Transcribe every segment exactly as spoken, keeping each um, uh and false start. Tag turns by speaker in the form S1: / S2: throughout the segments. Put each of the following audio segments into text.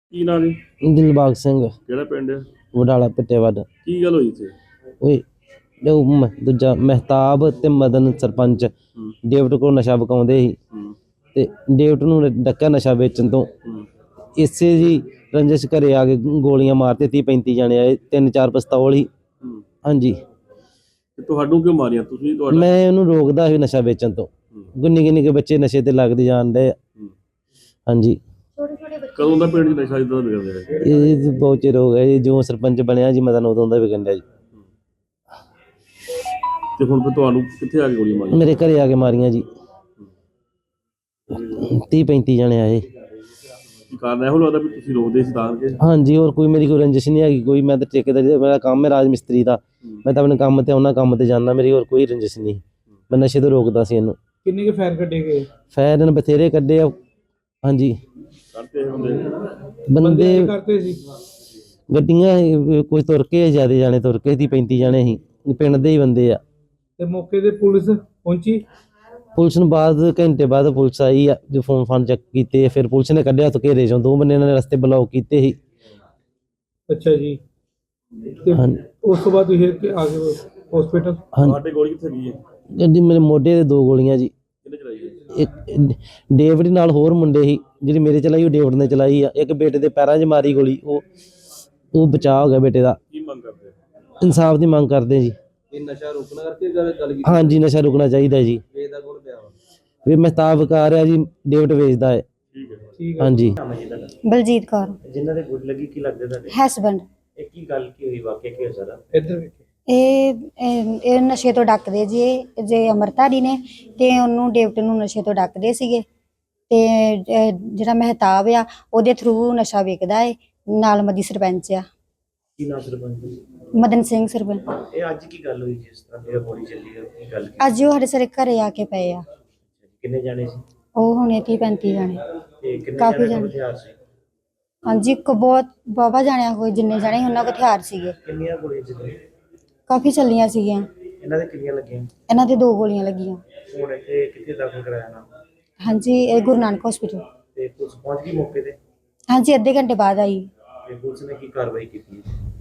S1: ਕੀ ਨਾਂ ਜੀ?
S2: ਦਿਲਬਾਗ ਸਿੰਘ।
S1: ਕਿਹੜਾ ਪਿੰਡ ਹੈ?
S2: ਵਡਾਲਾ ਪਿੱਟੇਵੱਡ।
S1: ਕੀ ਗੱਲ ਹੋਈ ਇੱਥੇ?
S2: ਓਏ ਉਹ ਮ- ਦੂਜਾ ਮਹਿਤਾਬ ਤੇ ਮਦਨ ਸਰਪੰਚ
S1: ਹੂੰ
S2: ਡੇਵਿਡ ਕੋਲ ਨਸ਼ਾ ਵਿਕਾਉਂਦੇ ਸੀ
S1: ਹੂੰ
S2: ਤੇ ਡੇਵਿਡ ਨੂੰ ਡੱਕਾ ਨਸ਼ਾ ਵੇਚਣ ਤੋਂ।
S1: ਹੂੰ
S2: ਇਸੇ ਜੀ ਰੰਜਿਸ਼ ਘਰੇ ਆ ਕੇ ਗੋਲੀਆਂ ਮਾਰਤੇ। ਤੀਹ ਪੈਂਤੀ ਜਾਣੇ ਆਏ, ਤਿੰਨ ਚਾਰ ਪਿਸਤੌਲ ਹੀ।
S1: ਹੂੰ
S2: ਹਾਂਜੀ,
S1: ਤੇ ਤੁਹਾਨੂੰ ਕਿਉਂ ਮਾਰੀਆਂ? ਤੁਸੀਂ ਤੁਹਾਡਾ
S2: ਮੈਂ ਉਹਨੂੰ ਰੋਕਦਾ ਸੀ ਨਸ਼ਾ ਵੇਚਣ ਤੋਂ।
S1: ਹੂੰ,
S2: ਗੁੰਨੀ ਗੁੰਨੀ ਕੇ ਬੱਚੇ ਨਸ਼ੇ ਤੇ ਲੱਗਦੇ ਜਾਣ ਡਏ ਆ।
S1: ਹੂੰ।
S2: ਹਾਂਜੀ,
S1: ਕਦੋਂ ਦਾ ਪਿੰਡ 'ਚ ਨਸ਼ਾ ਇਦਾਂ ਦਾ ਵਿਗੜ ਰਿਹਾ?
S2: ਇਹ ਬਹੁਤ ਚਿਰ ਹੋ ਗਿਆ ਜੀ, ਜੋ ਸਰਪੰਚ ਬਣਿਆ ਜੀ ਮਦਨ ਉਦੋਂ ਦਾ ਵਿਕਣ ਡਿਆ ਜੀ।
S1: ਤੇ ਹੁਣ ਫਿਰ ਤੁਹਾਨੂੰ ਕਿੱਥੇ ਆ ਕੇ ਗੋਲੀ ਮਾਰੀ?
S2: ਮੇਰੇ ਘਰੇ ਆ ਕੇ ਮਾਰੀਆਂ ਜੀ। ਤੀਹ ਪੈਂਤੀ ਜਾਣੇ ਆਏ।
S1: ਕੀ ਕਾਰਨ ਇਹੋ ਲੱਗਦਾ ਵੀ ਤੁਸੀਂ ਰੋਕਦੇ ਸੀ ਤਾਂ ਕਿ?
S2: ਹਾਂਜੀ, ਹੋਰ ਕੋਈ ਮੇਰੀ ਕੋਈ ਰੰਜਿਸ਼ ਨਹੀਂ ਹੈਗੀ ਕੋਈ। ਮੈਂ ਤਾਂ ਠੇਕੇਦਾਰੀ, ਮੇਰਾ ਕੰਮ ਹੈ ਰਾਜ ਮਿਸਤਰੀ ਦਾ। ਮੈਂ ਤਾਂ ਆਪਣੇ ਕੰਮ ਤੇ ਉਹਨਾਂ ਕੰਮ ਤੇ ਜਾਂਦਾ, ਮੇਰੀ ਹੋਰ ਕੋਈ ਰੰਜਿਸ਼ ਨਹੀਂ। ਮੈਂ ਨਸ਼ੇ ਤੋਂ ਰੋਕਦਾ ਸੀ ਇਹਨੂੰ।
S3: ਕਿੰਨੇ ਕੇ ਫਾਇਰ ਕੱਢੇ ਗਏ?
S2: ਫਾਇਰ ਇਹਨੇ ਬਥੇਰੇ ਕੱਢੇ ਆ। ਹਾਂਜੀ,
S1: ਕਰਦੇ ਇਹ ਬੰਦੇ?
S2: ਬੰਦੇ
S3: ਕੀ ਕਰਦੇ ਸੀ?
S2: ਗੱਡੀਆਂ ਇਹ ਕੁਝ ਤੁਰ ਕੇ, ਜ਼ਿਆਦਾ ਜਾਣੇ ਤੁਰ ਕੇ ਤੀਹ ਪੈਂਤੀ ਜਾਣੇ ਸੀ, ਪਿੰਡ ਦੇ ਹੀ ਬੰਦੇ ਆ।
S3: ਤੇ ਮੌਕੇ ਤੇ ਪੁਲਿਸ ਪਹੁੰਚੀ?
S2: ਪੁਲਿਸ ਨੂੰ ਬਾਅਦ ਘੰਟੇ ਬਾਅਦ ਪੁਲਿਸ ਆਈ ਆ, ਜੋ ਫੋਨ ਫਾਨ ਚੈੱਕ ਕੀਤੇ, ਫਿਰ ਪੁਲਿਸ ਨੇ ਕੱਢਿਆ ਤੋਂ ਘੇਰੇ ਚੋਂ। ਦੋ ਬੰਦੇ ਇਹਨਾਂ ਨੇ ਰਸਤੇ ਬਲੌਕ ਕੀਤੇ ਸੀ।
S3: ਅੱਛਾ ਜੀ। ਤੇ
S2: ਹਾਂਜੀ।
S3: ਉਸ ਤੋਂ ਬਾਅਦ ਤੁਸੀਂ ਕਿ ਆ ਗਏ ਹਸਪੀਟਲ?
S2: ਹਾਂਜੀ,
S1: ਤੁਹਾਡੇ ਗੋਲੀ ਕਿੱਥੇ ਗਈ ਹੈ?
S2: ਗੱਡੀ ਮੇਰੇ ਮੋਢੇ ਤੇ ਦੋ ਗੋਲੀਆਂ ਜੀ।
S1: ਕਿਹਨੇ ਚਲਾਈ ਹੈ?
S2: ਇੱਕ ਡੇਵਿਡ ਨਾਲ ਹੋਰ ਮੁੰਡੇ ਸੀ, ਜਿਹੜੀ ਮੇਰੇ ਚਲਾਈ ਉਹ ਡੇਵਿਡ ਨੇ ਚਲਾਈ ਆ। ਇੱਕ ਬੇਟੇ ਦੇ ਪੈਰਾਂ 'ਚ ਮਾਰੀ ਗੋਲੀ, ਉਹ ਉਹ ਬਚਾਅ ਹੋ ਗਿਆ ਬੇਟੇ ਦਾ।
S1: ਕੀ ਮੰਗ ਕਰਦੇ?
S2: ਇਨਸਾਫ ਦੀ ਮੰਗ ਕਰਦੇ ਜੀ।
S1: ਇਹ ਨਸ਼ਾ ਰੋਕਣਾ ਕਰਕੇ ਗੱਲ ਕੀਤੀ?
S2: ਹਾਂਜੀ, ਨਸ਼ਾ ਰੁਕਣਾ ਚਾਹੀਦਾ ਜੀ।
S1: ਵੇਚਦਾ ਕੋਲ ਪਿਆ ਵਾ?
S2: ਵੀ ਮਹਿਤਾਬ ਵਿਕਾ ਰਿਹਾ ਜੀ, ਡੇਵਿਡ ਵੇਚਦਾ ਹੈ।
S1: ਠੀਕ ਹੈ।
S3: ਠੀਕ ਹੈ।
S2: ਹਾਂਜੀ।
S4: ਬਲਜੀਤ ਕੌਰ।
S5: ਜਿਨ੍ਹਾਂ ਦੇ ਗੁੱਡ ਲੱਗੀ, ਕੀ ਲੱਗਦੇ ਤੁਹਾਡੇ?
S4: ਹਸਬੈਂਡ।
S5: ਇਹ ਕੀ ਗੱਲ ਕੀ ਹੋਈ, ਵਾਕਿਆ ਕੀ ਹੋਇਆ ਸਾਰਾ?
S3: ਇੱਧਰ ਵੇਖੋ।
S4: ਇਹ ਇਹ ਇਹ ਨਸ਼ੇ ਤੋਂ ਡੱਕਦੇ ਜੀ। ਇਹ ਜੇ ਅਮਰਤਾਰੀ ਨੇ ਤੇ ਉਹਨੂੰ ਡੇਵਿਡ ਨੂੰ ਨਸ਼ੇ ਤੋਂ ਡੱਕਦੇ ਸੀਗੇ ਤੇ ਅਹ, ਜਿਹੜਾ ਮਹਿਤਾਬ ਆ ਉਹਦੇ ਥਰੂ ਨਸ਼ਾ ਵਿਕਦਾ ਹੈ। ਨਾਲ ਮਦੀ ਸਰਪੰਚ ਆ
S5: ਕੀ ਨਾਮ ਸਰਪੰਚ ਜੀ?
S4: ਮਦਨ ਸਿੰਘ ਸਰਪੰਚ।
S5: ਇਹ ਅੱਜ ਕੀ ਗੱਲ ਹੋਈ ਜਿਸ ਤਰ੍ਹਾਂ ਇਹ ਗੋਲੀ ਚੱਲੀ ਹੈ, ਕੀ ਗੱਲ ਕੀ?
S4: ਅੱਜ ਉਹ ਸਾਡੇ ਸਾਰੇ ਘਰੇ ਆ ਕੇ ਪਏ ਆ।
S5: ਕਿੰਨੇ ਜਾਣੇ ਸੀ
S4: ਉਹ ਹੁਣੇ ਤੀਹ ਪੈਂਤੀ ਜਾਣੇ।
S5: ਤੇ ਕਿੰਨੇ
S4: ਕਾਫੀ
S5: ਜਾਣੇ
S4: ਜਾਣੇ।
S5: ਕੋਲ ਹਥਿਆਰ ਸੀ?
S4: ਹਾਂਜੀ, ਇੱਕ ਬਹੁਤ ਬਾਬਾ ਜਾਣਿਆ ਕੋਈ ਜਿੰਨੇ ਜਾਣੇ ਸੀ ਉਹਨਾਂ ਕੋਲ ਹਥਿਆਰ ਸੀਗੇ।
S5: ਕਿੰਨੀਆਂ ਗੋਲੀਆਂ ਚੱਲੀਆਂ?
S4: ਕਾਫੀ ਚੱਲੀਆਂ ਸੀਗੀਆਂ।
S5: ਇਹਨਾਂ ਦੇ ਕਿੰਨੀਆਂ ਲੱਗੀਆਂ?
S4: ਇਹਨਾਂ ਦੇ ਦੋ ਗੋਲੀਆਂ ਲੱਗੀਆਂ।
S5: ਹੁਣ ਇੱਥੇ ਕਿੱਥੇ ਦਾਖਲ ਕਰਾਇਆ ਨਾ?
S4: ਹਾਂਜੀ, ਇਹ ਗੁਰੂ ਨਾਨਕ ਹਸਪੀਟਲ।
S5: ਤੇ ਪੁਲਿਸ ਪਹੁੰਚ ਗਈ ਮੌਕੇ ਤੇ?
S4: ਹਾਂਜੀ, ਅੱਧੇ ਘੰਟੇ ਬਾਅਦ ਆਈ।
S5: ਤੇ ਪੁਲਿਸ ਨੇ ਕੀ ਕਾਰਵਾਈ ਕੀਤੀ?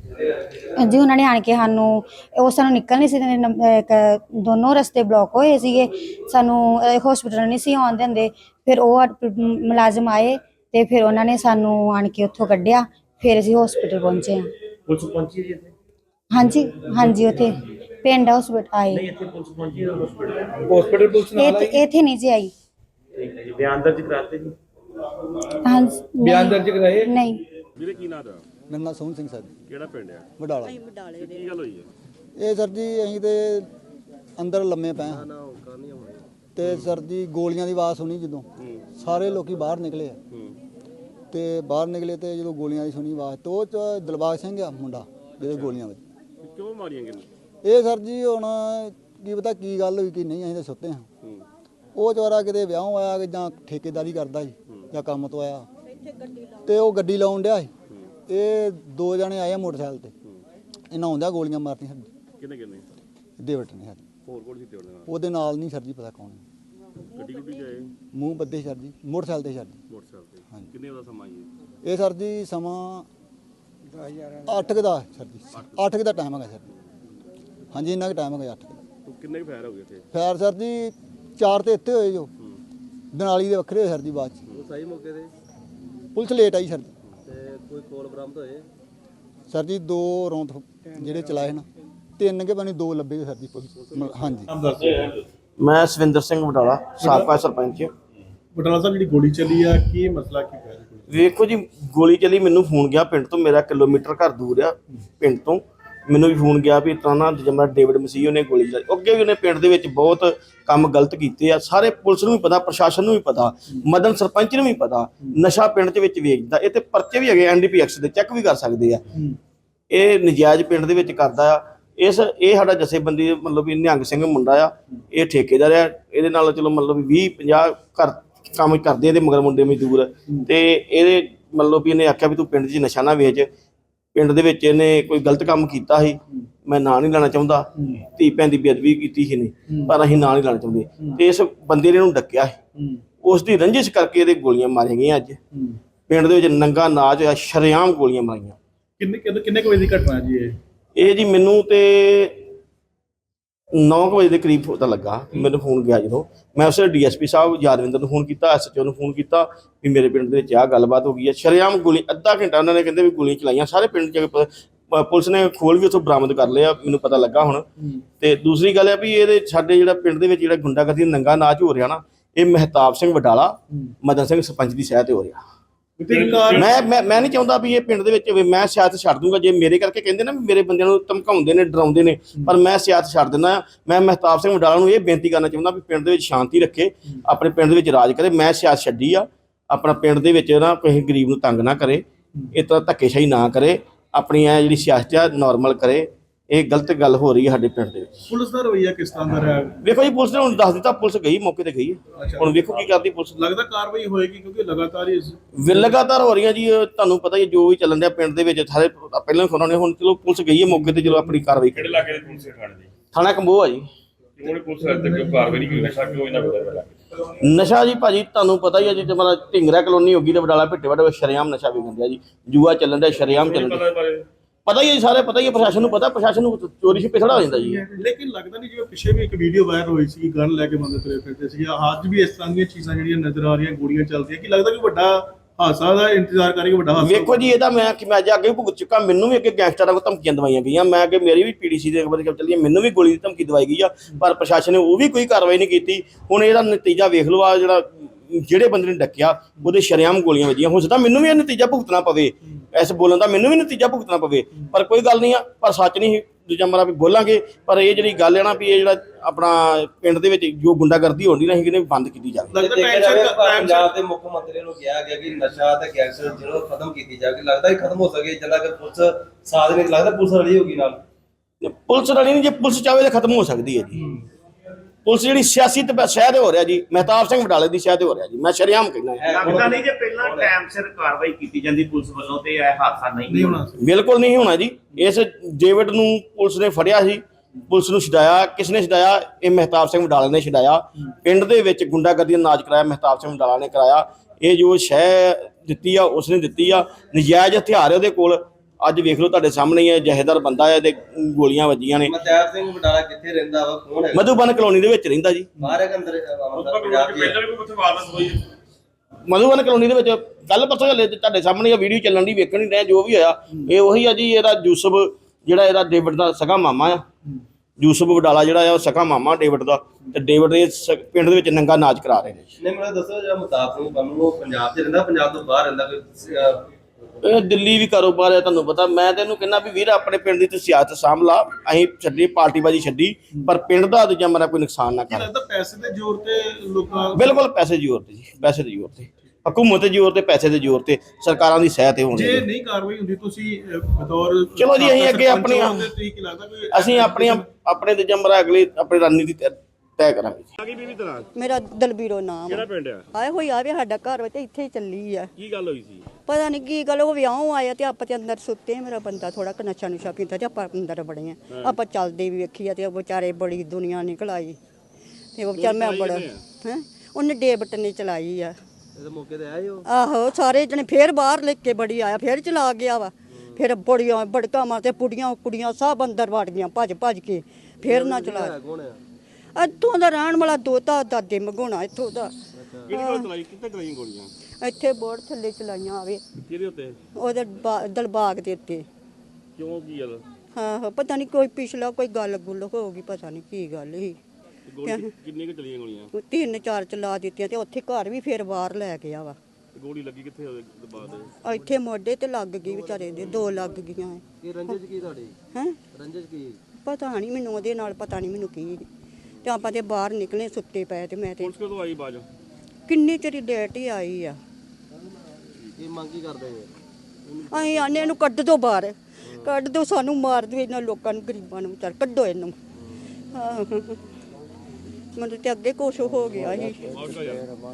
S4: ਜੀ ਉਹਨਾਂ ਨੇ ਆਣ ਕੇ ਸਾਨੂੰ, ਉਹ ਸਾਨੂੰ ਨਿਕਲ ਨਹੀਂ ਸੀ ਦਿੰਦੇ। ਨੰਬ- ਇੱਕ ਦੋਨੋਂ ਰਸਤੇ ਬਲੌਕ ਹੋਏ ਸੀਗੇ, ਸਾਨੂੰ ਹਸਪੀਟਲ ਨਹੀਂ ਸੀ ਆਉਣ ਦਿੰਦੇ। ਫਿਰ ਉਹ ਅਡ- ਮੁਲਾਜ਼ਮ ਆਏ ਤੇ ਫਿਰ ਉਹਨਾਂ ਨੇ ਸਾਨੂੰ ਆਣ ਕੇ ਉੱਥੋਂ ਕੱਢਿਆ। ਫਿਰ ਅਸੀਂ ਹਸਪੀਟਲ ਪਹੁੰਚੇ ਹਾਂ।
S5: ਪੁਲਿਸ ਪਹੁੰਚੀ ਜੀ ਇੱਥੇ?
S4: ਹਾਂਜੀ ਹਾਂਜੀ, ਉੱਥੇ ਪਿੰਡ ਹਸਪੀਟਲ ਆਏ।
S5: ਨਹੀਂ, ਇੱਥੇ ਪੁਲਿਸ ਪਹੁੰਚੀ ਹੈ ਹਸਪੀਟਲ?
S3: ਹਸਪੀਟਲ ਪੁਲਿਸ ਨਾਲ
S4: ਇੱਥੇ
S3: ਆਈ?
S4: ਇੱਥੇ ਨਹੀਂ ਜੀ ਆਈ।
S5: ਠੀਕ ਹੈ ਜੀ। ਬਿਆਨ ਦਰਜ ਕਰਾਤੇ ਜੀ?
S4: ਹਾਂਜੀ,
S3: ਬਿਆਨ
S4: ਨਹੀਂ-
S3: ਦਰਜ ਕਰਾਏ?
S4: ਨਹੀਂ।
S1: ਵੀਰੇ ਕੀ ਨਾਂ ਦਾ?
S6: ਮੇਰਾ ਨਾਮ ਸੋਹਣ ਸਿੰਘ ਸਰ ਜੀ,
S1: ਕਿਹੜਾ ਪਿੰਡ ਹੈ?
S6: ਵਡਾਲਾ।
S1: ਤੇ ਕੀ ਗੱਲ ਹੋਈ ਹੈ?
S6: ਇਹ ਸਰ ਜੀ ਅਸੀਂ ਤੇ ਅੰਦਰ ਲੰਮੇ ਪਏ ਹਾਂ
S1: ਨਾ ਉਹ ਕਰਨੀ ਹੋਣੀ।
S6: ਤੇ ਸਰ ਜੀ ਗੋਲੀਆਂ ਦੀ ਆਵਾਜ਼ ਸੁਣੀ ਜਦੋਂ,
S1: ਹੂੰ
S6: ਸਾਰੇ ਲੋਕੀ ਬਾਹਰ ਨਿਕਲੇ ਆ।
S1: ਹੂੰ
S6: ਤੇ ਬਾਹਰ ਨਿਕਲੇ ਤੇ ਜਦੋਂ ਗੋਲੀਆਂ ਦੀ ਸੁਣੀ ਆਵਾਜ਼ ਤੇ ਉਹ 'ਚ ਦਿਲਬਾਗ ਸਿੰਘ ਆ ਮੁੰਡਾ ਜਿਹਦੇ ਗੋਲੀਆਂ ਵਿੱਚ।
S1: ਤੇ ਕਿਉਂ ਮਾਰੀਆਂ ਕਿੰਨੇ?
S6: ਇਹ ਸਰ ਜੀ ਹੁਣ ਕੀ ਪਤਾ ਕੀ ਗੱਲ ਹੋਈ ਕੀ ਨਹੀਂ, ਅਸੀਂ ਤਾਂ ਸੁੱਤੇ ਹਾਂ।
S1: ਹੂੰ
S6: ਉਹ ਚਵਾਰਾ ਕਿਤੇ ਵਿਆਹ ਆਇਆ ਕਿ ਜਾਂ ਠੇਕੇਦਾਰੀ ਕਰਦਾ ਸੀ ਜਾਂ ਕੰਮ ਤੋਂ ਆਇਆ ਤੇ ਉਹ ਗੱਡੀ ਲਾਉਣ ਡਿਆ ਸੀ। ਇਹ ਦੋ ਜਣੇ ਆਏ ਆ ਮੋਟਰਸਾਈਕਲ ਤੇ, ਇਹਨਾਂ ਆਉਂਦਿਆਂ ਗੋਲੀਆਂ ਮਾਰਤੀਆਂ ਸਰ ਜੀ।
S1: ਕਿੰਨੇ ਕਿੰਨੇ?
S6: ਡੇਵਿਡ ਨੇ ਸਰ ਜੀ।
S1: ਹੋਰ ਕੋਲ ਸੀ ਤੇਰੇ ਨਾਲ?
S6: ਉਹਦੇ ਨਾਲ ਨਹੀਂ ਸਰ ਜੀ ਪਤਾ ਕੌਣ ਹੈ।
S1: ਗੱਡੀ ਗੁੱਡੀ ਜਾਏ?
S6: ਮੂੰਹ ਬੱਦੇ ਸਰ ਜੀ, ਮੋਟਰਸਾਈਕਲ ਤੇ ਸਰ ਜੀ।
S1: ਮੋਟਰਸਾਈਕਲ ਤੇ?
S6: ਹਾਂਜੀ।
S1: ਕਿੰਨੇ ਉਹਦਾ ਸਮਾਂ ਜੀ?
S6: ਇਹ ਸਰ ਜੀ ਸਮਾਂ ਅੱਠ ਕੁ ਦਾ ਸਰ ਜੀ, ਅੱਠ ਕੁ ਦਾ ਟਾਈਮ ਹੈਗਾ ਸਰ ਜੀ। ਹਾਂਜੀ, ਇੰਨਾ ਕੁ ਟਾਈਮ ਹੈਗਾ ਅੱਠ ਕੁ ਦਾ।
S1: ਤੂੰ ਕਿੰਨੇ ਕੁ ਫਾਇਰ ਹੋ ਗਏ ਇੱਥੇ?
S6: ਫੈਰ ਸਰ ਜੀ ਚਾਰ ਤੇ ਇੱਥੇ ਹੋਏ ਜੋ,
S1: ਹੂੰ
S6: ਦਨਾਲੀ ਦੇ ਵੱਖਰੇ ਹੋਏ ਸਰ ਜੀ ਬਾਅਦ ਚ।
S1: ਉਹ ਸਹੀ ਮੌਕੇ ਤੇ?
S6: ਪੁਲਿਸ ਲੇਟ ਆਈ ਸਰ ਜੀ।
S1: ਤੇ ਕੋਈ ਕੋਲ ਬਰਾਮਦ ਹੋਏ?
S6: ਸਰ ਜੀ ਦੋ ਰੌਂਦ ਜਿਹੜੇ ਚਲਾਏ ਨਾ, ਤਿੰਨ ਕੇ ਬਣੀ, ਦੋ ਲੱਭੇ ਸਰ ਜੀ ਪੁਲਿਸ। ਹਾਂਜੀ।
S7: ਮੈਂ ਸਵਿੰਦਰ ਸਿੰਘ ਵਡਾਲਾ, ਸਾਬਕਾ ਸਰਪੰਚ।
S1: ਬਟਾਲਾ ਸਾਹਿਬ, ਜਿਹੜੀ ਗੋਲੀ ਚੱਲੀ ਆ ਕੀ ਮਸਲਾ ਕੀ ਹੋਇਆ?
S7: ਵੇਖੋ ਜੀ, ਗੋਲੀ ਚੱਲੀ, ਮੈਨੂੰ ਫੋਨ ਗਿਆ ਪਿੰਡ ਤੋਂ, ਮੇਰਾ ਕਿਲੋਮੀਟਰ ਘਰ ਦੂਰ ਆ ਪਿੰਡ ਤੋਂ। ਮੈਨੂੰ ਵੀ ਫੋਨ ਗਿਆ ਵੀ ਇਸ ਤਰ੍ਹਾਂ ਨਾ ਜਮਰਾ ਡੇਵਿਡ ਮਸੀਹ ਉਹਨੇ ਗੋਲੀ ਚਲਾਈ। ਅੱਗੇ ਵੀ ਉਹਨੇ ਪਿੰਡ ਦੇ ਵਿੱਚ ਬਹੁਤ ਕੰਮ ਗਲਤ ਕੀਤੇ ਆ। ਸਾਰੇ ਪੁਲਿਸ ਨੂੰ ਵੀ ਪਤਾ, ਪ੍ਰਸ਼ਾਸਨ ਨੂੰ ਵੀ ਪਤਾ, ਮਦਨ ਸਰਪੰਚ ਨੂੰ ਵੀ ਪਤਾ। ਨਸ਼ਾ ਪਿੰਡ ਦੇ ਵਿੱਚ ਵੇਚਦਾ। ਇਹ ਤੇ ਪਰਚੇ ਵੀ ਹੈਗੇ ਐਨ ਡੀ ਪੀ ਐਕਸ ਦੇ, ਚੈੱਕ ਵੀ ਕਰ ਸਕਦੇ ਆ। ਇਹ ਨਜਾਇਜ਼ ਪਿੰਡ ਦੇ ਵਿੱਚ ਕਰਦਾ ਆ। ਇਸ ਇਹ ਸਾਡਾ ਜਥੇਬੰਦੀ ਮਤਲਬ ਵੀ ਨਿਹੰਗ ਸਿੰਘ ਮੁੰਡਾ ਆ, ਇਹ ਠੇਕੇਦਾਰ ਆ। ਇਹਦੇ ਨਾਲ ਚਲੋ ਮਤਲਬ ਵੀ ਵੀਹ ਪੰਜਾਹ ਘਰ ਕੰਮ ਕਰਦੇ ਇਹਦੇ ਮਗਰ ਮੁੰਡੇ ਮਜ਼ਦੂਰ। ਤੇ ਇਹਦੇ ਮਤਲਬ ਵੀ ਇਹਨੇ ਆਖਿਆ ਵੀ ਤੂੰ ਪਿੰਡ 'ਚ ਨਸ਼ਾ ਨਾ ਵੇਚ। ਪਿੰਡ ਦੇ ਵਿੱਚ ਇਹਨੇ ਕੋਈ ਗਲਤ ਕੰਮ ਕੀਤਾ ਸੀ, ਮੈਂ ਨਾਂ ਨਹੀਂ ਲੈਣਾ ਚਾਹੁੰਦਾ। ਧੀ ਭੈਣ ਦੀ ਬੇਅਦਬੀ ਕੀਤੀ ਸੀ ਨੇ, ਪਰ ਅਸੀਂ ਨਾਂ ਨਹੀਂ ਲੈਣਾ ਚਾਹੁੰਦੇ। ਤੇ ਇਸ ਬੰਦੇ ਨੇ ਇਹਨੂੰ ਡੱਕਿਆ ਸੀ, ਉਸ ਦੀ ਰੰਜਿਸ਼ ਕਰਕੇ ਇਹਦੇ ਗੋਲੀਆਂ ਮਾਰੀਆਂ ਗਈਆਂ ਅੱਜ। ਪਿੰਡ ਦੇ ਵਿੱਚ ਨੰਗਾ ਨਾਚ ਹੋਇਆ, ਸ਼ਰੇਆਮ ਗੋਲੀਆਂ ਮਾਰੀਆਂ।
S1: ਕਿੰਨੇ ਕਿੰਨੇ ਕਿੰਨੇ ਕੁ ਵਜੇ ਦੀ ਘਟਨਾ ਜੀ ਇਹ?
S7: ਇਹ ਜੀ ਮੈਨੂੰ ਤੇ ਨੌ ਕੁ ਵਜੇ ਦੇ ਕਰੀਬ ਪਤਾ ਲੱਗਾ, ਮੈਨੂੰ ਫੋਨ ਗਿਆ ਜਦੋਂ। ਮੈਂ ਉਸੇ ਡੀ ਐਸ ਪੀ ਸਾਹਿਬ ਯਾਦਵਿੰਦਰ ਨੂੰ ਫੋਨ ਕੀਤਾ, ਐਸ ਐਚ ਓ ਨੂੰ ਫੋਨ ਕੀਤਾ ਵੀ ਮੇਰੇ ਪਿੰਡ ਦੇ ਵਿੱਚ ਆਹ ਗੱਲਬਾਤ ਹੋ ਗਈ ਹੈ। ਸ਼ਰੇਆਮ ਗੋਲੀ, ਅੱਧਾ ਘੰਟਾ ਉਹਨਾਂ ਨੇ ਕਹਿੰਦੇ ਵੀ ਗੋਲੀਆਂ ਚਲਾਈਆਂ ਸਾਰੇ ਪਿੰਡ 'ਚ। ਪ- ਪੁਲਿਸ ਨੇ ਖੋਲ ਵੀ ਉੱਥੋਂ ਬਰਾਮਦ ਕਰ ਲਿਆ, ਮੈਨੂੰ ਪਤਾ ਲੱਗਾ ਹੁਣ। ਤੇ ਦੂਸਰੀ ਗੱਲ ਹੈ ਵੀ ਇਹਦੇ ਸਾਡੇ ਜਿਹੜਾ ਪਿੰਡ ਦੇ ਵਿੱਚ ਜਿਹੜਾ ਗੁੰਡਾਗਰਦੀ ਨੰਗਾ ਨਾਚ ਹੋ ਰਿਹਾ ਨਾ, ਇਹ ਮਹਿਤਾਬ ਸਿੰਘ ਵਡਾਲਾ, ਮਦਨ ਸਿੰਘ ਸਰਪੰਚ ਦੀ ਸਹਿ ਤੇ ਹੋ ਰਿਹਾ। ਮੈਂ ਮੈਂ ਮੈਂ ਨਹੀਂ ਚਾਹੁੰਦਾ ਵੀ ਇਹ ਪਿੰਡ ਦੇ ਵਿੱਚ ਹੋਵੇ। ਮੈਂ ਸਿਆਸਤ ਛੱਡ ਦੂੰਗਾ ਜੇ ਮੇਰੇ ਕਰਕੇ ਕਹਿੰਦੇ ਨਾ ਵੀ ਮੇਰੇ ਬੰਦਿਆਂ ਨੂੰ ਧਮਕਾਉਂਦੇ ਨੇ, ਡਰਾਉਂਦੇ ਨੇ, ਪਰ ਮੈਂ ਸਿਆਸਤ ਛੱਡ ਦਿੰਦਾ। ਮੈਂ ਮਹਿਤਾਬ ਸਿੰਘ ਵਡਾਲਾ ਨੂੰ ਇਹ ਬੇਨਤੀ ਕਰਨਾ ਚਾਹੁੰਦਾ ਵੀ ਪਿੰਡ ਦੇ ਵਿੱਚ ਸ਼ਾਂਤੀ ਰੱਖੇ, ਆਪਣੇ ਪਿੰਡ ਦੇ ਵਿੱਚ ਰਾਜ ਕਰੇ। ਮੈਂ ਸਿਆਸਤ ਛੱਡੀ ਆ, ਆਪਣਾ ਪਿੰਡ ਦੇ ਵਿੱਚ ਨਾ ਕਿਸੇ ਗਰੀਬ ਨੂੰ ਤੰਗ ਨਾ ਕਰੇ, ਇਸ ਤਰ੍ਹਾਂ ਧੱਕੇਸ਼ਾਹੀ ਨਾ ਕਰੇ, ਆਪਣੀ ਇਹ ਜਿਹੜੀ ਸਿਆਸਤ ਆ ਨਾਰਮਲ ਕਰੇ। ਇਹ ਗਲਤ ਗੱਲ ਹੋ ਰਹੀ ਹੈ ਸਾਡੇ ਪਿੰਡ ਦੇ ਵਿੱਚ।
S1: ਪੁਲਿਸ ਦਾ ਰਵੱਈਆ ਕਿਸ ਤਰ੍ਹਾਂ ਦਾ ਰਿਹਾ?
S7: ਵੇਖੋ ਜੀ, ਪੁਲਿਸ ਨੇ ਹੁਣ ਦੱਸ ਦਿੱਤਾ, ਪੁਲਿਸ ਗਈ, ਮੌਕੇ ਤੇ ਗਈ ਹੈ। ਹੁਣ ਵੇਖੋ ਕੀ ਕਰਦੀ ਪੁਲਿਸ।
S1: ਲੱਗਦਾ ਕਾਰਵਾਈ ਹੋਏਗੀ ਕਿਉਂਕਿ ਲਗਾਤਾਰ ਹੀ ਇਸ-
S7: ਵੀ ਲਗਾਤਾਰ ਹੋ ਰਹੀਆਂ ਜੀ। ਇਹ ਤੁਹਾਨੂੰ ਪਤਾ ਹੀ ਜੋ ਵੀ ਚੱਲਣ ਡਿਆ ਪਿੰਡ ਦੇ ਵਿੱਚ, ਸਾਰੇ ਪਹਿਲਾਂ ਖੋਣਾ ਨੇ, ਹੁਣ ਚਲੋ ਪੁਲਿਸ ਗਈ ਹੈ ਮੌਕੇ ਤੇ, ਚਲੋ ਆਪਣੀ ਕਾਰਵਾਈ
S8: ਕਿਹੜੇ
S7: ਕਰੇ।
S8: ਇਲਾਕੇ ਦੇ ਪੁਲਿਸ ਥਾਣੇ ਦੀ
S7: ਥਾਣਾ ਕੰਬੋਹ ਆ ਜੀ।
S8: ਉਹਨੇ ਪੁਲਿਸ ਹੱਦ ਤੱਕ ਕਾਰਵਾਈ ਨਹੀਂ ਕੀਤੀ, ਨਸ਼ਾ ਕਿਉਂ ਇਹਨਾਂ ਬਦਲ ਰਿਹਾ?
S7: ਨਸ਼ਾ ਜੀ ਭਾਜੀ ਤੁਹਾਨੂੰ ਪਤਾ ਹੀ ਹੈ ਜੀ, ਤੇ ਮਤਲਬ ਢਿੰਗਰਾ ਕਲੋਨੀ ਹੋ ਗਈ ਤੇ ਵਡਾਲਾ ਭਿੱਟੇ ਵੜ ਸ਼ਰੇਆਮ ਨਸ਼ਾ ਵਿਕਣ ਡਿਆ ਜੀ। ਜੂਆ ਚੱਲਣ ਡਿਆ, ਸ਼ਰੇਆਮ ਚੱਲਣ
S8: ਪਤਾ
S7: ਡਿਆ।
S8: ਇਸ ਬਾਰੇ?
S7: ਪਤਾ ਹੀ ਹੈ ਜੀ, ਸਾਰੇ ਪਤਾ ਹੀ ਹੈ, ਪ੍ਰਸ਼ਾਸਨ ਨੂੰ ਪਤਾ, ਪ੍ਰਸ਼ਾਸਨ ਨੂੰ ਚੋਰੀ ਛਿਪੇ ਥੋੜਾ ਹੋ ਜਾਂਦਾ ਜੀ।
S1: ਲੇਕਿਨ ਲੱਗਦਾ ਨਹੀਂ, ਜਿਵੇਂ ਪਿੱਛੇ ਵੀ ਇੱਕ ਵੀਡੀਓ ਵਾਇਰਲ ਹੋਈ ਸੀ, ਗਨ ਲੈ ਕੇ ਬੰਦੇ ਤੁਰੇ ਫਿਰਦੇ ਸੀ। ਅੱਜ ਵੀ ਇਸ ਤਰ੍ਹਾਂ ਦੀਆਂ ਚੀਜ਼ਾਂ ਜਿਹੜੀਆਂ ਨਜ਼ਰ ਆ ਰਹੀਆਂ, ਗੋਲੀਆਂ ਚੱਲਦੀਆਂ, ਕਿ ਲੱਗਦਾ ਕਿ ਵੱਡਾ ਹਾਦਸਾ ਦਾ ਇੰਤਜ਼ਾਰ ਕਰੀਏ, ਵੱਡਾ ਹਾਦਸਾ?
S7: ਵੇਖੋ ਜੀ, ਇਹਦਾ ਮੈਂ ਕਿ ਮੈਂ ਅੱਜ ਅੱਗੇ ਵੀ ਭੁਗਤ ਚੁੱਕਾ। ਮੈਨੂੰ ਵੀ ਅੱਗੇ ਗੈਂਗਸਟਰਾਂ ਕੋਲ ਧਮਕੀਆਂ ਦਵਾਈਆਂ ਗਈਆਂ। ਮੈਂ ਅੱਗੇ ਮੇਰੀ ਵੀ ਪੀ ਡੀ ਸੀ ਦੇ ਇੱਕ ਵਾਰੀ ਚੱਲੀ, ਮੈਨੂੰ ਵੀ ਗੋਲੀ ਦੀ ਧਮਕੀ ਦਵਾਈ ਗਈ ਆ, ਪਰ ਪ੍ਰਸ਼ਾਸਨ ਨੇ ਉਹ ਵੀ ਕੋਈ ਕਾਰਵਾਈ ਨਹੀਂ ਕੀਤੀ। ਹੁਣ ਇਹਦਾ ਨਤੀਜਾ ਵੇਖ ਲਓ, ਆ ਜਿਹੜਾ ਜਿਹੜੇ ਬੰਦੇ ਨੇ ਡੱਕਿਆ ਉਹਦੇ ਸ਼ਰੇਆਮ ਗੋਲੀਆਂ ਵੱਜੀਆਂ। ਹੋ ਸਕਦਾ ਮੈਨੂੰ ਵੀ ਇਹ ਨਤੀਜਾ ਭੁਗਤਣਾ ਪਵੇ, ਐਸ ਬੋਲਣ ਦਾ ਮੈਨੂੰ ਵੀ ਨਤੀਜਾ ਭੁਗਤਣਾ ਪਵੇ, ਪਰ ਕੋਈ ਗੱਲ ਨਹੀਂ ਆ। ਪਰ ਸੱਚ ਨਹੀਂ ਦੂਜਾ ਮਰਾ ਵੀ ਬੋਲਾਂਗੇ। ਪਰ ਇਹ ਜਿਹੜੀ ਗੱਲ ਹੈ ਨਾ ਵੀ ਇਹ ਜਿਹੜਾ ਆਪਣਾ ਪਿੰਡ ਦੇ ਵਿੱਚ ਜੋ ਗੁੰਡਾਗਰਦੀ ਹੋਣੀ ਨਾ, ਅਸੀਂ ਕਹਿੰਦੇ ਬੰਦ ਕੀਤੀ ਜਾਵੇ।
S1: ਲੱਗਦਾ
S9: ਦੇਖਿਆ
S1: ਟਾਈਮ
S9: ਜਾਵੇ
S1: ਸਿਰ ਟਾਈਮ
S9: ਪੰਜਾਬ ਦੇ ਮੁੱਖ ਮੰਤਰੀ ਨੂੰ ਕਿਹਾ ਗਿਆ ਕਿ ਨਸ਼ਾ ਤੇ ਗੈਂਗਸਟਰ ਜਿਹੜਾ ਖਤਮ ਕੀਤੀ ਜਾਵੇ। ਲੱਗਦਾ ਇਹ ਖਤਮ ਹੋ ਸਕੇ ਜਦੋਂ ਕਿ ਪੁਲਿਸ ਸਾਥ ਨਹੀਂ, ਲੱਗਦਾ ਪੁਲਿਸ ਰਲੀ ਹੋਗੀ ਨਾਲ।
S7: ਤੇ ਪੁਲਿਸ ਰਲੀ ਨਹੀਂ, ਜੇ ਪੁਲਿਸ ਚਾਹੇ ਤਾਂ ਖਤਮ ਹੋ ਸਕਦੀ ਹੈ ਜੀ। ਪੁਲਿਸ ਜਿਹੜੀ ਸਿਆਸੀ ਤੇ ਸ਼ਹਿ ਤੇ ਹੋ ਰਿਹਾ ਜੀ, ਮਹਿਤਾਬ ਸਿੰਘ ਵਡਾਲੇ ਦੀ ਸ਼ਹਿ ਤੇ ਹੋ ਰਿਹਾ ਜੀ। ਮੈਂ ਸ਼ਰੇਆਮ ਕਹਿਣਾ
S5: ਲੱਗਦਾ ਨਹੀਂ ਜੇ ਪਹਿਲਾਂ ਟਾਈਮ ਸਿਰ ਕਾਰਵਾਈ ਕੀਤੀ ਜਾਂਦੀ ਪੁਲਿਸ ਵੱਲੋਂ ਤੇ ਇਹ ਹਾਦਸਾ ਨਹੀਂ
S1: ਨਹੀਂ ਹੋਣਾ ਸੀ।
S7: ਬਿਲਕੁਲ ਨਹੀਂ ਹੋਣਾ ਜੀ। ਇਸ ਡੇਵਿਡ ਨੂੰ ਪੁਲਿਸ ਨੇ ਫੜਿਆ ਸੀ, ਪੁਲਿਸ ਨੂੰ ਛਡਾਇਆ। ਕਿਸ ਨੇ ਛਡਾਇਆ? ਇਹ ਮਹਿਤਾਬ ਸਿੰਘ ਵਡਾਲੇ ਨੇ ਛਡਾਇਆ। ਪਿੰਡ ਦੇ ਵਿੱਚ ਗੁੰਡਾਗਰਦੀ ਦਾ ਨਾਚ ਕਰਾਇਆ, ਮਹਿਤਾਬ ਸਿੰਘ ਵਡਾਲਾ ਨੇ ਕਰਾਇਆ। ਇਹ ਜੋ ਸ਼ਹਿ ਦਿੱਤੀ ਆ ਉਸਨੇ ਦਿੱਤੀ ਆ। ਨਜਾਇਜ਼ ਹਥਿਆਰ ਉਹਦੇ ਕੋਲ, ਅੱਜ ਵੇਖ ਲਓ ਤੁਹਾਡੇ ਸਾਹਮਣੇ ਹੀ ਹੈ, ਜਹੇਦਾਰ ਬੰਦਾ ਹੈ ਤੇ ਗੋਲੀਆਂ ਵੱਜੀਆਂ ਨੇ।
S9: ਮਤਿਆਬ ਸਿੰਘ ਵਡਾਲਾ ਕਿੱਥੇ ਰਹਿੰਦਾ ਵਾ, ਕੌਣ ਹੈ?
S7: ਮਧੂਬਨ ਕਲੋਨੀ ਦੇ ਵਿੱਚ ਰਹਿੰਦਾ ਜੀ।
S9: ਬਾਹਰ ਹੈ ਕਿ ਅੰਦਰ
S8: ਪਹਿਲਾਂ
S9: ਪੰਜਾਬ
S8: ਵੀ ਕੋਈ ਉੱਥੇ ਵਾਰਦਾਤ ਹੋਈ?
S7: ਮਧੂਬਨ ਕਲੋਨੀ ਦੇ ਵਿੱਚ ਕੱਲ ਪਰਸੋਂ ਹਲੇ ਤੁਹਾਡੇ ਸਾਹਮਣੇ ਇਹ ਵੀਡੀਓ ਚੱਲਣ ਦੀ ਵੇਖਣ ਹੀ ਰਹੇ। ਜੋ ਵੀ ਹੋਇਆ ਇਹ ਉਹੀ ਆ ਜੀ। ਇਹਦਾ ਯੂਸਫ ਜਿਹੜਾ ਇਹਦਾ ਡੇਵਿਡ ਦਾ ਸਗਾ ਮਾਮਾ ਆ, ਯੂਸਫ ਵਡਾਲਾ ਜਿਹੜਾ ਆ ਉਹ ਸਗਾ ਮਾਮਾ ਡੇਵਿਡ ਦਾ। ਤੇ ਡੇਵਿਡ ਦੇ ਸ- ਪਿੰਡ ਦੇ ਵਿੱਚ ਨੰਗਾ ਨਾਚ ਕਰਾ ਰਹੇ ਨੇ।
S9: ਨਹੀਂ, ਮੈਨੂੰ ਦੱਸੋ ਜਿਹੜਾ ਮਤਾਬ ਸਿੰਘ ਬੰਨੂ ਉਹ ਪੰਜਾਬ 'ਚ ਰਹਿੰਦਾ, ਪੰਜਾਬ ਤੋਂ ਬਾਹਰ ਰਹਿੰਦਾ ਕੋਈ? ਅਹ,
S7: ਇਹ ਦਿੱਲੀ ਵੀ ਕਾਰੋਬਾਰ ਹੈ, ਤੁਹਾਨੂੰ ਪਤਾ। ਮੈਂ ਤੈਨੂੰ ਕਹਿੰਦਾ ਵੀ ਵੀਰ ਆਪਣੇ ਪਿੰਡ ਦੀ ਤੂੰ ਸਿਆਸਤ ਸਾਂਭ ਲਾ। ਅਸੀਂ ਛੱਡੀ ਪਾਰਟੀਬਾਜ਼ੀ ਛੱਡੀ, ਪਰ ਪਿੰਡ ਦਾ ਦੂਜਾ ਮੇਰਾ ਕੋਈ ਨੁਕਸਾਨ ਨਾ
S1: ਕੀ
S7: ਕਰ।
S1: ਲੱਗਦਾ ਪੈਸੇ ਦੇ ਜ਼ੋਰ ਤੇ ਲੋਕਾਂ
S7: ਬਿਲਕੁਲ ਪੈਸੇ ਦੀ ਜ਼ੋਰ ਤੇ ਜੀ, ਪੈਸੇ ਦੀ ਜ਼ੋਰ ਤੇ, ਹਕੂਮਤ ਦੇ ਜ਼ੋਰ ਤੇ, ਪੈਸੇ ਦੇ ਜ਼ੋਰ ਤੇ, ਸਰਕਾਰਾਂ ਦੀ ਸਹਿ ਤੇ ਹੋਣੀ
S1: ਜੇ
S7: ਚਾਹੀਦੀ।
S1: ਨਹੀਂ ਕਾਰਵਾਈ ਹੁੰਦੀ, ਤੁਸੀਂ ਅਹ, ਬਤੌਰ
S7: ਚਲੋ ਜੀ, ਅਸੀਂ ਅੱਗੇ
S1: ਸਰਪੰਚ
S7: ਆਪਣੀਆਂ-
S1: ਹੋਣ ਦੇ ਕੀ ਲੱਗਦਾ ਕੋਈ
S7: ਅਸੀਂ ਆਪਣੀਆਂ ਆਪਣੇ ਦੂਜਾ ਮੇਰਾ ਅਗਲੀ ਆਪਣੀ ਰਣਨੀਤੀ ਤੈਅ ਤੈਅ ਕਰਾਂਗੇ ਜੀ।
S10: ਮੇਰਾ ਦਲਬੀਰੋ ਨਾਮ
S8: ਕਿਹੜਾ ਪਿੰਡ ਆ?
S10: ਆਏ ਹੋਈ ਆਵੇ ਸਾਡਾ ਘਰ ਵਾ ਤੇ ਇੱਥੇ ਹੀ ਚੱਲੀ ਆ।
S8: ਕੀ ਗੱਲ ਹੋਈ ਸੀ?
S10: ਪਤਾ ਨਹੀਂ ਕੀ ਗੱਲ, ਉਹ ਵਿਆਹੋਂ ਆਇਆ ਤੇ ਆਪਾਂ ਤੇ ਅੰਦਰ ਸੁੱਤੇ। ਮੇਰਾ ਬੰਦਾ ਥੋੜਾ ਕ ਨਸ਼ਾ ਨੁਸ਼ਾ ਪੀਂਦਾ ਤੇ ਆਪਾਂ ਅੰਦਰ ਬੜੇ ਆ। ਆਪਾਂ ਚੱਲਦੇ ਵੀ ਵੇਖੀ ਆ ਤੇ ਉਹ ਵਿਚਾਰੇ ਬੜੀ ਦੁਨੀਆ ਨਿਕਲ ਆਈ ਤੇ ਉਹ ਵਿਚਾਰ ਮੈਂ ਬੜਾ ਹੈ ਉਹਨੇ ਡੇਬਟ ਨੇ ਚਲਾਈ ਆ।
S9: ਇਹਦੇ ਮੌਕੇ ਤੇ ਆਏ ਹੋ?
S10: ਆਹੋ, ਸਾਰੇ ਜਣੇ ਫੇਰ ਬਾਹਰ ਲੈ ਕੇ ਬੜੀ ਆਇਆ, ਫੇਰ ਚਲਾ ਗਿਆ ਵਾ। ਫਿਰ ਬੜੀਆਂ ਬੜਕਾ ਮਾਰ ਤੇ ਪੁੜੀਆਂ ਕੁੜੀਆਂ ਸਭ ਅੰਦਰ ਵੜ ਗਈਆਂ ਭੱਜ ਭੱਜ ਕੇ। ਫੇਰ ਨਾ ਚਲਾ।
S9: ਕੌਣ ਹੈ?
S10: ਇੱਥੋਂ ਦਾ ਰਹਿਣ ਵਾਲਾ ਦੋਤਾ ਦਾਦੇ ਮਗਾਉਣਾ ਇੱਥੋਂ ਦਾ।
S8: ਕਿਹੜੀ ਗੱਲ ਚਲਾਈ? ਕਿੱਥੇ ਚਲਾਈਆਂ ਗੋਲੀਆਂ?
S10: ਇੱਥੇ ਬੋਰਡ ਥੱਲੇ ਚਲਾਈਆਂ ਆਵੇ,
S8: ਕਿਹਦੇ ਉੱਤੇ?
S10: ਉਹਦੇ ਬਾ- ਦਿਲਬਾਗ ਦੇ ਉੱਤੇ।
S8: ਕਿਉਂ ਕੀ ਗੱਲ?
S10: ਹਾਂ ਹਾਂ, ਪਤਾ ਨਹੀਂ ਕੋਈ ਪਿਛਲਾ ਕੋਈ ਗੱਲ ਗੁੱਲ ਹੋ ਗਈ, ਪਤਾ ਨਹੀਂ ਕੀ ਗੱਲ ਸੀ।
S8: ਗੋਲੀ ਕਿੰਨੀ ਕੁ ਚਲੀਆਂ ਗੋਲੀਆਂ?
S10: ਉਹ ਤਿੰਨ ਚਾਰ ਚਲਾ ਦਿੱਤੀਆਂ ਤੇ ਉੱਥੇ ਘਰ ਵੀ ਫੇਰ ਬਾਹਰ ਲੈ ਗਿਆ ਵਾ।
S8: ਤੇ ਗੋਲੀ ਲੱਗੀ ਕਿੱਥੇ ਉਹਦੇ ਬਾਅਦ?
S10: ਇੱਥੇ ਮੋਢੇ ਤੇ ਲੱਗ ਗਈ ਵਿਚਾਰੇ ਦੇ, ਦੋ ਲੱਗ ਗਈਆਂ।
S9: ਕੀ ਰੰਜਿਸ਼ ਕੀ ਤੁਹਾਡੀ?
S10: ਹੈ
S9: ਰੰਜਿਸ਼ ਕੀ?
S10: ਪਤਾ ਨਹੀਂ ਮੈਨੂੰ ਉਹਦੇ ਨਾਲ, ਪਤਾ ਨਹੀਂ ਮੈਨੂੰ ਕੀ। ਤੇ ਆਪਾਂ ਤੇ ਬਾਹਰ ਨਿਕਲੇ ਸੁੱਤੇ ਪਏ ਤੇ ਮੈਂ ਤੇ
S8: ਪੁਲਿਸ ਕਦੋਂ ਆਈ ਬਾਜ?
S10: ਕਿੰਨੀ ਚਿਰ ਡੇਟ ਹੀ ਆਈ ਆ।
S9: ਕੀ ਮੰਗ ਕੀ ਕਰਦੇ ਹੋ?
S10: ਅਸੀਂ ਆਨੇ ਇਹਨੂੰ ਕੱਢ ਦੋ ਬਾਹਰ, ਕੱਢ ਦੋ, ਸਾਨੂੰ ਮਾਰ ਦਿਓ ਇਹਨਾਂ ਲੋਕਾਂ ਨੂੰ, ਗਰੀਬਾਂ ਨੂੰ ਵਿਚਾਰ ਕੱਢੋ ਇਹਨੂੰ। ਹਾਂ ਮੈਨੂੰ ਤੇ ਅੱਗੇ ਕੁਛ ਹੋ ਗਿਆ ਸੀ।